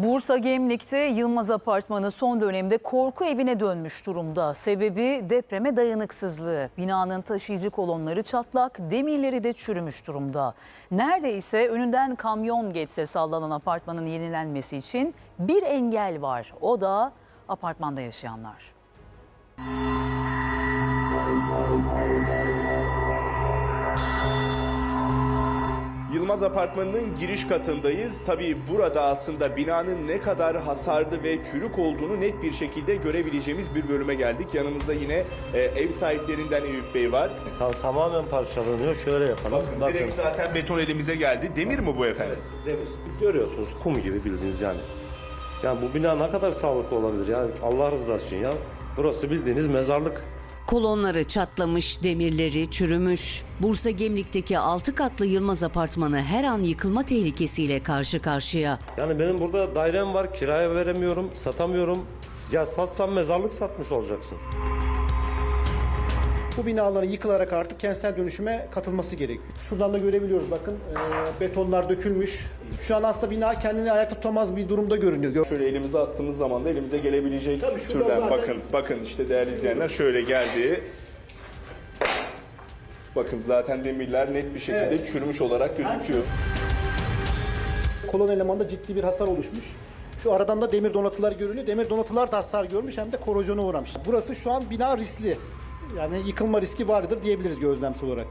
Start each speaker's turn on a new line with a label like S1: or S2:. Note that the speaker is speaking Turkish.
S1: Bursa Gemlik'te Yılmaz Apartmanı son dönemde korku evine dönmüş durumda. Sebebi depreme dayanıksızlığı. Binanın taşıyıcı kolonları çatlak, demirleri de çürümüş durumda. Neredeyse önünden kamyon geçse sallanan apartmanın yenilenmesi için bir engel var. O da apartmanda yaşayanlar.
S2: Yılmaz Apartmanı'nın giriş katındayız. Tabii burada aslında binanın ne kadar hasarlı ve çürük olduğunu net bir şekilde görebileceğimiz bir bölüme geldik. Yanımızda yine ev sahiplerinden Eyüp Bey var.
S3: Tamamen parçalanıyor. Şöyle yapalım.
S2: Bakın direkt zaten beton elimize geldi. Demir mi bu efendim?
S3: Demir. Görüyorsunuz kum gibi bildiğiniz yani. Yani bu bina ne kadar sağlıklı olabilir yani Allah rızası için ya. Burası bildiğiniz mezarlık.
S4: Kolonları çatlamış, demirleri çürümüş. Bursa Gemlik'teki 6 katlı Yılmaz Apartmanı her an yıkılma tehlikesiyle karşı karşıya.
S3: Yani benim burada dairem var, kiraya veremiyorum, satamıyorum. Ya satsam mezarlık satmış olacaksın.
S5: Bu binaların yıkılarak artık kentsel dönüşüme katılması gerekiyor. Şuradan da görebiliyoruz bakın betonlar dökülmüş. Şu an aslında bina kendini ayakta tutamaz bir durumda görünüyor.
S2: Şöyle elimize attığımız zaman da elimize gelebilecek
S5: Tabii şurada
S2: türden.
S5: zaten-
S2: Bakın işte değerli izleyenler şöyle geldi. Bakın zaten demirler net bir şekilde çürümüş olarak gözüküyor.
S5: Kolon elemanda ciddi bir hasar oluşmuş. Şu aradan da demir donatılar görülüyor. Demir donatılar da hasar görmüş hem de korozyona uğramış. Burası şu an bina riskli. Yani yıkılma riski vardır diyebiliriz gözlemsel olarak.